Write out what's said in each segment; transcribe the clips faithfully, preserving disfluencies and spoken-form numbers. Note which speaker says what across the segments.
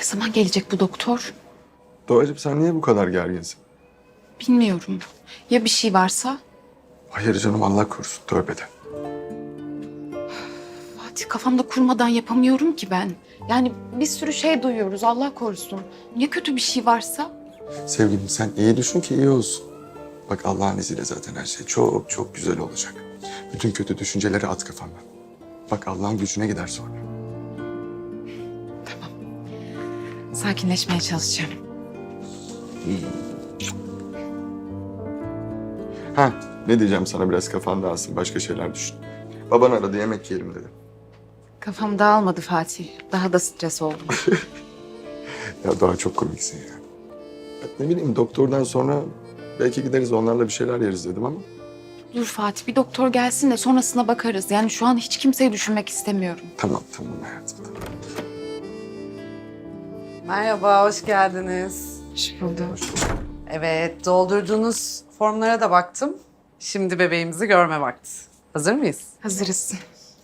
Speaker 1: zaman gelecek bu doktor?
Speaker 2: Doğacığım sen niye bu kadar gerginsin?
Speaker 1: Bilmiyorum. Ya bir şey varsa?
Speaker 2: Hayır canım Allah korusun tövbe de.
Speaker 1: Fatih, kafamda kurmadan yapamıyorum ki ben. Yani bir sürü şey duyuyoruz, Allah korusun. Ya kötü bir şey varsa?
Speaker 2: Sevgilim sen iyi düşün ki iyi olsun. Bak Allah'ın izniyle zaten her şey çok çok güzel olacak. Bütün kötü düşünceleri at kafandan. Bak Allah'ın gücüne gider sonra.
Speaker 1: Sakinleşmeye çalışacağım.
Speaker 2: Ha ne diyeceğim sana biraz kafan dağılsın başka şeyler düşün. Baban aradı yemek yiyelim dedi.
Speaker 1: Kafam dağılmadı Fatih. Daha da stres oldum.
Speaker 2: Ya daha çok komiksin ya. Ya ne bileyim doktordan sonra belki gideriz onlarla bir şeyler yeriz dedim ama.
Speaker 1: Dur Fatih, bir doktor gelsin de sonrasına bakarız. Yani şu an hiç kimseyi düşünmek istemiyorum.
Speaker 2: Tamam tamam hayatım tamam.
Speaker 3: Merhaba, hoş geldiniz.
Speaker 1: Hoş bulduk.
Speaker 3: Evet, doldurduğunuz formlara da baktım. Şimdi bebeğimizi görme vakti. Hazır mıyız?
Speaker 1: Hazırız.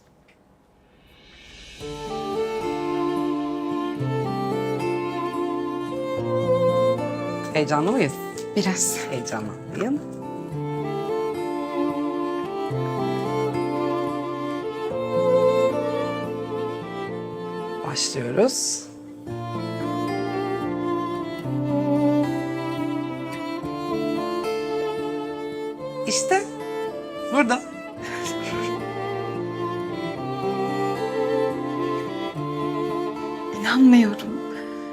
Speaker 3: Heyecanlı mıyız?
Speaker 1: Biraz.
Speaker 3: Heyecanlanmayın. Başlıyoruz. İşte burada.
Speaker 1: İnanmıyorum.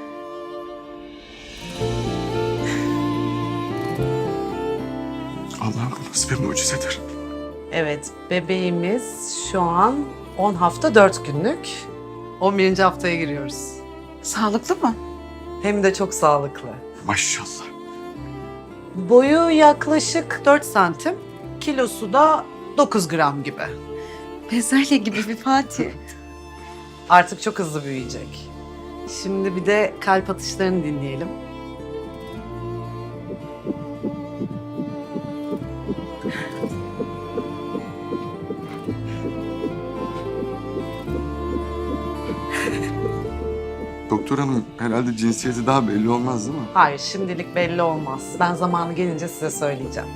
Speaker 2: Allah'ım bu nasıl bir mucizedir.
Speaker 3: Evet, bebeğimiz şu an on hafta dört günlük. on birinci haftaya giriyoruz.
Speaker 1: Sağlıklı mı?
Speaker 3: Hem de çok sağlıklı.
Speaker 2: Maşallah.
Speaker 3: Boyu yaklaşık dört santim, kilosu da dokuz gram gibi.
Speaker 1: Bezelye gibi bir Fatih.
Speaker 3: Artık çok hızlı büyüyecek. Şimdi bir de kalp atışlarını dinleyelim.
Speaker 2: Doktor hanım herhalde cinsiyeti daha belli olmaz değil mi?
Speaker 3: Hayır, şimdilik belli olmaz. Ben zamanı gelince size söyleyeceğim.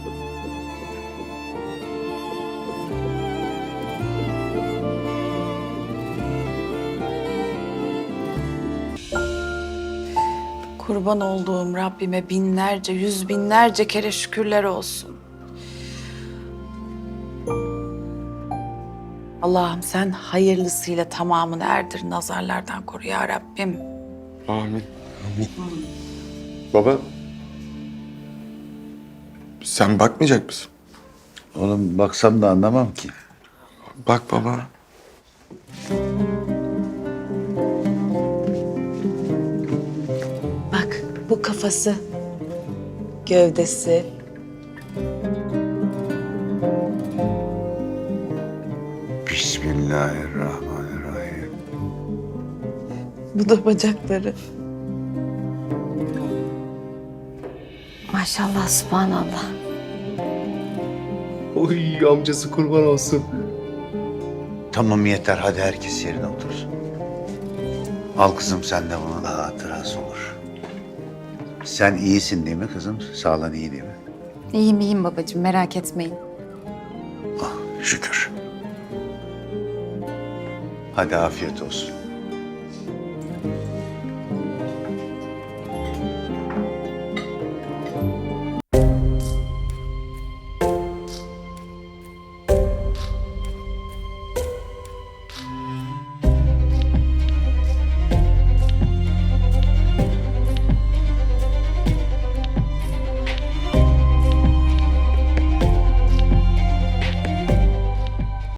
Speaker 1: Kurban olduğum Rabbime binlerce, yüz binlerce kere şükürler olsun. Allah'ım sen hayırlısıyla tamamını erdir, nazarlardan koru ya Rabbim.
Speaker 2: Amin. Amin. Baba. Sen bakmayacak mısın?
Speaker 4: Oğlum baksam da anlamam ki.
Speaker 2: Bak baba.
Speaker 1: Bak bu kafası, gövdesi.
Speaker 4: Bismillahirrahmanirrahim.
Speaker 1: Bu da bacakları.
Speaker 5: Maşallah, subhanallah.
Speaker 6: Oy amcası kurban olsun.
Speaker 4: Tamam yeter hadi herkes yerine otursun. Al kızım sen de bunun hatırası olur. Sen iyisin değil mi kızım? Sağlığın iyi değil mi?
Speaker 1: İyiyim iyiyim babacığım, merak etmeyin.
Speaker 4: Ah şükür. Hadi afiyet olsun.